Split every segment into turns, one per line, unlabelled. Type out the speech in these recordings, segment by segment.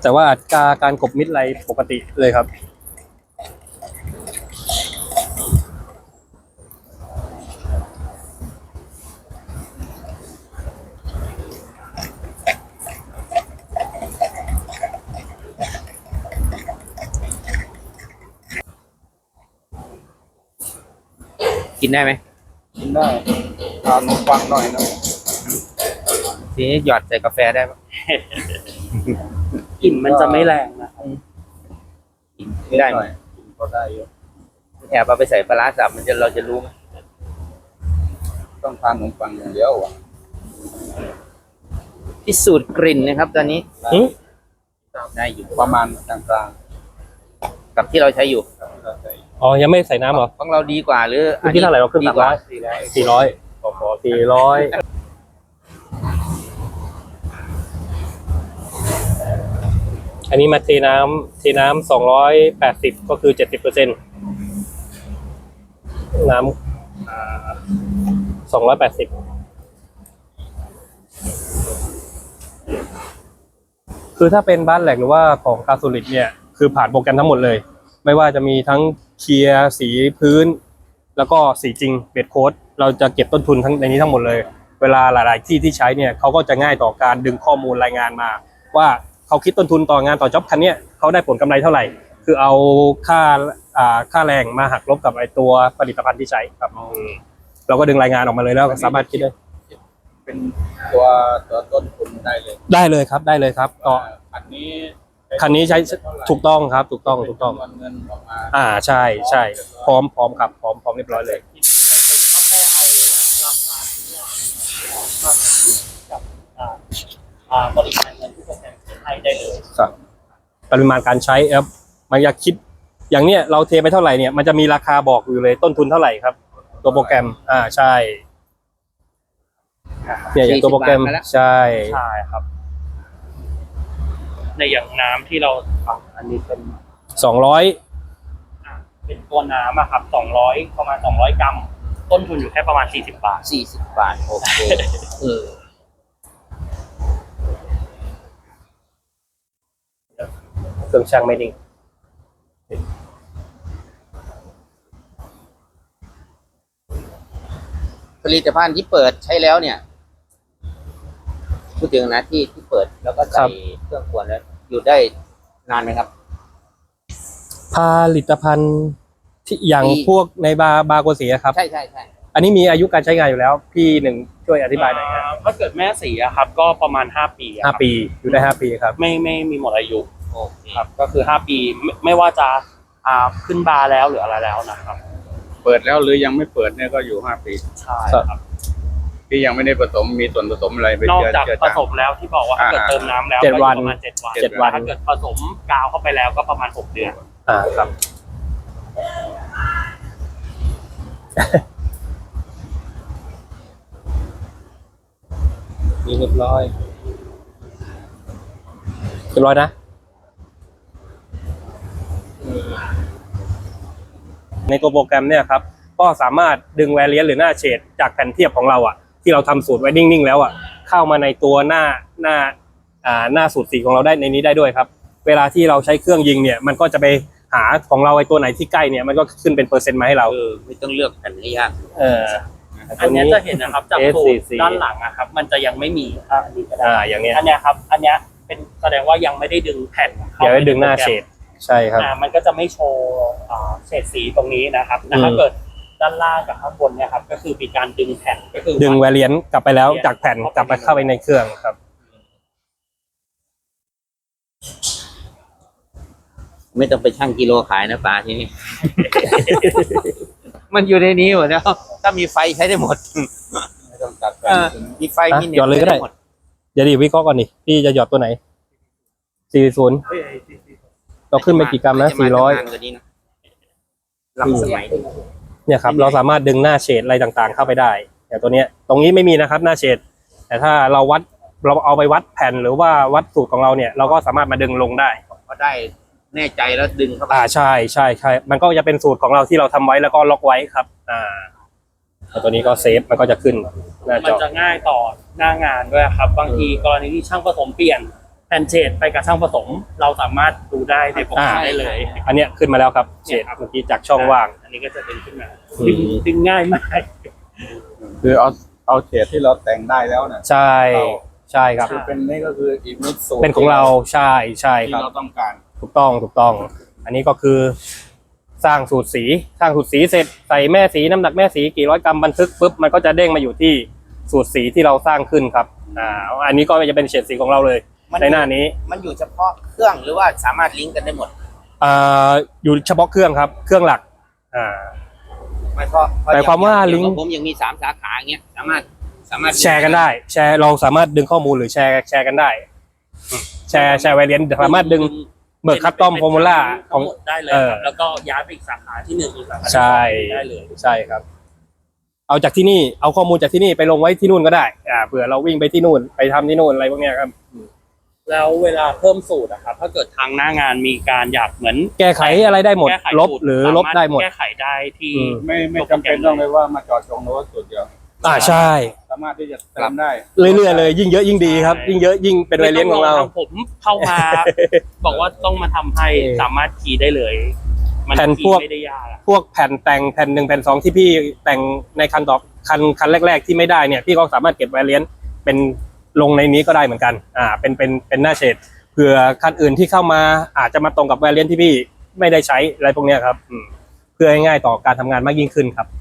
แต่ว่าอัตราการกบมิดไรปกติเลยครับ
กินได้ไหม
กินได้ทานขนมปังหน่อยนะ
ทีนี้หยอดใส่กาแฟได้ปะ
กลิ่นมันจะไม่แรงนะครับ
ไม่ได้
หน่อยก็ได้เยอะ
แอบเอาไปใส่ปลาร้าสับเราจะรู้ไหม
ต้องทานขนมปังอย่างเดียวอ่ะ
พิสูจน์กลิ่นนะครับ ตอนนี้
หึ
ได้อยู่
ประมาณกลาง
กับที่เราใช้อยู่
ๆครับเราใส่
อ๋อยังไม่ใส่น้ำเหรอ
ของเราดีกว่าหรือ
เมื่อกี้เท่าไหร่เราขึ้น
ดีกว่า
400พอ400อันนี้มาเทน้ำ280ก็คือ70%น้ำ280คือถ้าเป็นบ้านแหลกหรือว่าของกาโซลิดเนี่ยคือผ่านโปรแกรมทั้งหมดเลย ไม่ว่าจะมีทั้งเคลียร์สีพื้น แล้วก็สีจริงเบสโค้ดเราจะเก็บต้นทุนทั้งในนี้ทั้งหมดเลย เวลาหลายๆที่ที่ใช้เนี่ยเขาก็จะง่ายต่อการดึงข้อมูลรายงานมา ว่าเขาคิดต้นทุนต่องานต่อจ็อบคันเนี้ยเขาได้ผลกำไรเท่าไหร่ คือเอาค่าแรงมาหักลบกับไอตัวผลิตภัณฑ์ที่ใช้ครับเราก็ดึงรายงานออกมาเลยแล้วสามารถคิดได้
เป็นตัวต้นทุนได้เลย
ได้เลยครับได้เลยครับก็
อันนี้
คันนี้ใช้ถูกต้องครับถูกต้อง
เงินออกมา
ใช่พร้อมครับพร้อมเรียบร้อยเลย
บริการเงินที่โปรแกรมให้ได้เลย
ครับปริมาณการใช้ครับมันอยากคิดอย่างเนี้ยเราเทไปเท่าไหร่เนี่ยมันจะมีราคาบอกอยู่เลยต้นทุนเท่าไหร่ครับ ตัวโปรแกรมใช่เนี่ยอย่างตัวโปรแกรมใช่
ใช่ครับ ในอย่างน้ำที่เราอันนี้เป็น
200
เป็นตัวน้ำอะครับ200ประมาณ200 กรัม ต้นทุนอยู่แค่ประมาณ40 บาท
40 บาทโอเคเออ
เครื่องช่างไม่นิ่ง
ผลิตภัณฑ์ที่เปิดใช้แล้วเนี่ยพูดถึงนะที่เปิดแล้วก็ใส่เครื่องกวนแล้วอยู่ได้นานไหมครับ
ผลิตภัณฑ์ที่อย่างพวกในบาร์โกสีครับ
ใช่
อันนี้มีอายุการใช้งานอยู่แล้วพี่หนึ่งช่วยอธิบายหน่อยครับ
ถ้าเกิดแม่สีอะครับ ก็ประมาณ5 ปีอะครับ
5 ปีอยู่ได้5 ปีครับ
ไม่มีหมดอายุ
โอเค
ครับ ก็คือ5 ปีไม่ว่าจะขึ้นบาร์แล้วหรืออะไรแล้วนะครับ
เปิดแล้วหรือยังไม่เปิดเนี่ยก็อยู่5 ปี
ใช่ครับ
ที่ยังไม่ได้ผสมมีส่วนผสมอะไรไป
นอก
เจือ
จาก
เจือ
ผ
จาง
สมแล้วที่บอกว่าถ้าเกิดเติมน้ำแล้ว
7
ก็อยู่
วัน
ประมาณ7 วัน
7 วัน
ถ้าเกิดผสมกาวเข้าไปแล้วก็ประมาณ6 เดือน
ครับ นี่เรียบร้อยนะในตัวโปรแกรมเนี่ยครับก็สามารถดึงแวเรียนหรือหน้าเฉดจากแผ่นเทียบของเราที่เราทำสูตรไว้นิ่งๆแล้วเข้ามาในตัวหน้าสูตรสีของเราได้ในนี้ได้ด้วยครับเวลาที่เราใช้เครื่องยิงเนี่ยมันก็จะไปหาของเราไอ้ตัวไหนที่ใกล้เนี่ยมันก็ขึ้นเป็นเปอร์เซ็นต์มาให้เรา
ไม่ต้องเลือกแผ่นให้ยาก
อันนี้จะเห็นนะครับจากสูตรด้านหลังอะครับ มันจะยังไม่มีอันนี้ก็ได้
อย่างเนี้ย
อันเนี้ยครับ อันเนี้ยเป็นแสดงว่ายังไม่ได้ดึงแผ่นเข้า
เดี๋ยวไปดึงหน้าเฉดใช่ครับ
มันก็จะไม่โชว์เฉดสีตรงนี้นะครับแต่ถ้าเกิดด้านล่างกับข้างบนเนี่ยครับก็คือมีการดึงแผ่นก็คือ
ดึงแวเรียนกลับไปแล้วจากแผ่นกลับไปเข้าไปในเครื่องครับ
ไม่ต้องไปชั่งกิโลขายนะป๋าทีนี้ มันอยู่ในนี้หมดแล้วถ้ามีไฟใช้ได้หมด
ไม่ต้องตัดแผ่น
มีไฟมีเน็ต
หยอดเลยก็ได้
หมด
เดี๋ยวดิวิเคราะห์ก่อนดิพี่จะหยอดตัวไหน40เราขึ้นไปกี่กรัมนะ
จมาทำงานกว่านี้นะล้ำสมัยนี้
เนี่ยครับเราสามารถดึงหน้าเฉดอะไรต่างๆเข้าไปได้แต่ตัวเนี้ยตรงนี้ไม่มีนะครับหน้าเฉดแต่ถ้าเราเอาไปวัดแผ่นหรือว่าวัดสูตรของเราเนี่ยเราก็สามารถมาดึงลงได้
พอได้แน่ใจแล้วดึงเข้าไป
ใช่มันก็จะเป็นสูตรของเราที่เราทำไว้แล้วก็ล็อกไว้ครับแล้วตัวนี้ก็เซฟมันก็จะขึ้นหน้า
มั
จ
น
อ
จะง่ายต่อหน้างานด้วยครับบางทีกรณีที่ช่างผสมเปลี่ยนผ่นเฉดไปกับช่างผสม เราสามารถดูได้ในโปรแกรมได้เลย
อันเนี้ยขึ้นมาแล้วครับเฉดเมื่อกี้จากช่องว่าง
อันนี้ก็จะดึงขึ้นมา
อืม
ดึงง่ายมาก
คือเอาเฉดที่เราแต่งได้แล้วเนี่ย
ใช่ใช่ครับ
คือเป็นนี่ก็คืออีกมิดสูตร
เป็นของเราใช่ใช่
ที่
ครับ
เราต้องการ
ถูกต้องถูกต้อง อันนี้ก็คือสร้างสูตรสีเสร็จใส่แม่สีน้ำหนักแม่สีกี่ร้อยกรัมบันทึกปุ๊บมันก็จะเด้งมาอยู่ที่สูตรสีที่เราสร้างขึ้นครับอันนี้ก็จะเป็นเฉดสีของเราเลยในหน้านี้
มันอยู่เฉพาะเครื่องหรือว่าสามารถลิงก์กันได้หมด
อยู่เฉพาะเครื่องครับเครื่องหลัก
หมายความว่าลิงก์ผมยังมี3 สาขาอย่างเงี้ยสามารถ
แชร์กันได้แชร์เราสามารถดึงข้อมูลหรือแชร์กันได้แชร์ไวเลียนสามารถดึงเบิกคัสตอมฟอร์มูล่าข
ทั้
อง
งหมดได้เลยครับแล้วก็ย้ายไปอีกสาขาที่1อีกสาขาที่
ใช่
2ได้เลย
ใช่ครับ เอาจากที่นี่เอาข้อมูลจากที่นี่ไปลงไว้ที่นู่นก็ได้เผื่อเราวิ่งไปที่นู่นไปทำที่นู่นอะไรพวกเนี้ยครับ
แล้วเวลาเพิ่มสูตรอะครับถ้าเกิดทางหน้างานมีการอยากเหมือน
แก้ไขอะไรได้หมด
แก้ไข
ลบ
สูต
หรือลบได้หมด
แก้ไขได้ที่
ไม่จำเป็นต้องเลยว่ามาจอดจงโน้ตสูตรเดียว
ใช่
สามารถที่จะเติมได้
เรื่อยๆเลยยิ่งเยอะยิ่งดีครับ ยิ่งเยอะยิ่งเป็นไวเลียนของเรา
ไม่ต้ทผมเข้ามา บอกว่าต้องมาทำให้สามารถคีย์ได้เลย มัน
แผ่น
คี
พวก
ย์ไม่ได้ยากอะ
พวกแผ่นแต่งแผ่น1แผ่น2ที่พี่แต่งในคันต่อคันแรกๆที่ไม่ได้เนี่ยพี่ก็สามารถเก็บไวเลียนเป็นลงในนี้ก็ได้เหมือนกันเป็นหน้าเฉดเผื่อคันอื่นที่เข้ามาอาจจะมาตรงกับไวเลียนที่พี่ไม่ได้ใช้อะไรพวกเนี้ยครับเพื่อให้ง่ายต่อการทำงานมากยิ่งขึ้นครับ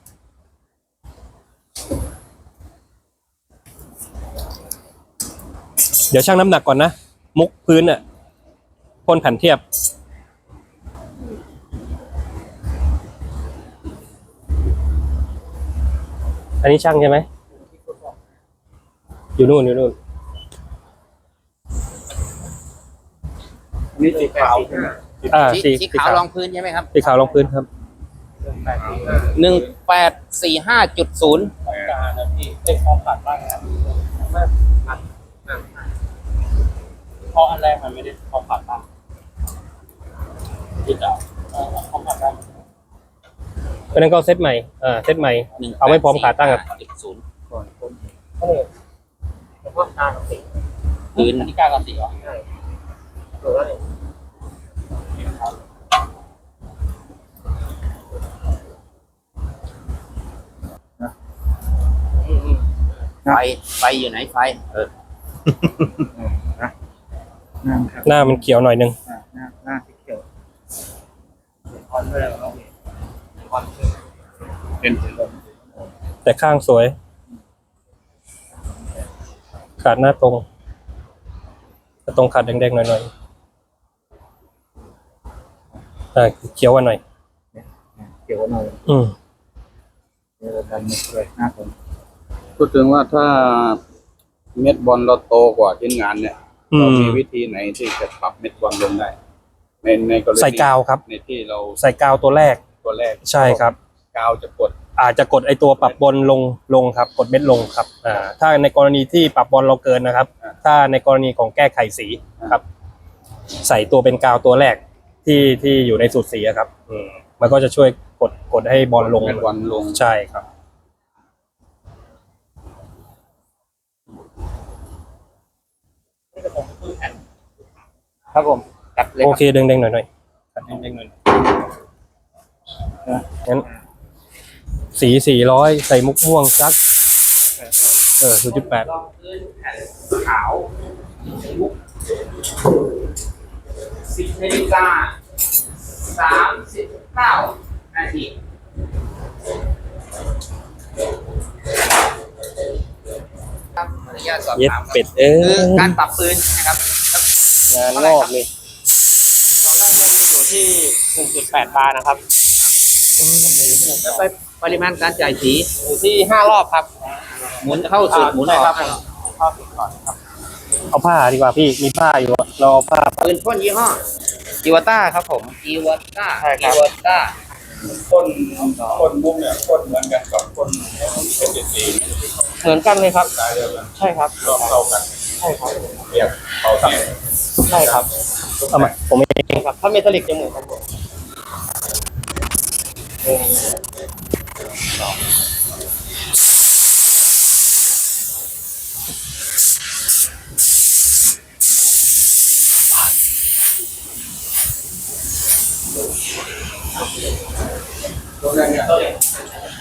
เดี๋ยวชั่งน้ำหนักก่อนนะมุกพื้นพ่นแผ่นเทียบอันนี้ช่างใช่ไหมอยู่นู่น
นี่สีขาวใช่ไหม
สีขาวรองพื้นใช่ไหมครับ
สีขาวรองพื้นครับ
1845.0
การนะพี่ไอ้ความผัดบ้างครับเพราะอันแรกมันไม่ได้ความผัดบ้างที่จะความผัดบ้าง
เพราะนั้นก็เซตใหม่เซตใหม่ เอาไม่พร้อมขาตั้งครับ
0
ก่อนคน
แล้วก็การกับสี
พื้น
อันนี้การกับสีเหรอใช่
ไฟอยู่ไหนไฟ
นะครับ
หน้ามันเขียวหน่อยนึง
หน้าสีเขียวเป็นสีเหลือง
แต่ข้างสวย ขาดหน้าตรงขาดแดงๆหน่อยเขียวกว่าหน่อย
เขียวหน่อย เดี๋ยวกันเลยหน้าผมพูดถึงว่าถ้าเม็ดบอลเราโตกว่าชิ้นงานเนี่ยเรามีวิธีไหนที่จะปรับเม็ดบอลลงได้ในกรณี
ใส่กาวครับ
ในที่เรา
ใส่กาวตัวแรก
ตัวแรก
ใช่ครับ
กาวจะกด
อาจจะกดไอตัวปรับบอลลงครับ กดเม็ดลงครับถ้าในกรณีที่ปรับบอลเราเกินนะครับ ถ้าในกรณีของแก้ไขสีครับ ใส่ตัวเป็นกาวตัวแรกที่อยู่ในสูตรสีอะครับมันก็จะช่วยกดให้บอลลง
เม็ดบอลลง
ใช่ครับ
ครับผมจัดเลย
โอเคเด้งๆหน่อยๆงั้นสี400ใส่มุกม่วงสัก0.8
รองพื้นแผ่นขาว10 นาฬิกา 39 นาทีครับขออนุญาตสอบ
เย็ด
ถามครับ
เป็ด
คือการปรับปืนนะครับ
งานงอกเลย
ตอนแรกมันจะอยู่ที่ 1.8 บาร์นะครับ
แล้วไปปริมาณการจ่ายสีอยู่ที่5 รอบครับ หมุนเข้าสุดหมุนออก
เข้าสุดก่อนครับ
เอาผ้าดีกว่าพี่มีผ้าอยู่เราเอาผ้า
ปืนพ่นยี่ห้ออีวาต้าครับผมอีวาต้า
ใช่ครับ
อีวาต้า
คนมุกเนี่ยคนเหมือนกันกับคนเป็นสี
เหมือนกันเลยครับ
สายเดียวกัน
ใช่ครับ
รอบเท่ากัน
ใช่ครับ
เรียบเท่ากัน
ใช่ครับ
เอามาผมเอง
ครับ ถ้าเมทัลลิกจะเหมือนกันหมด
ตัวแรกเนี่ย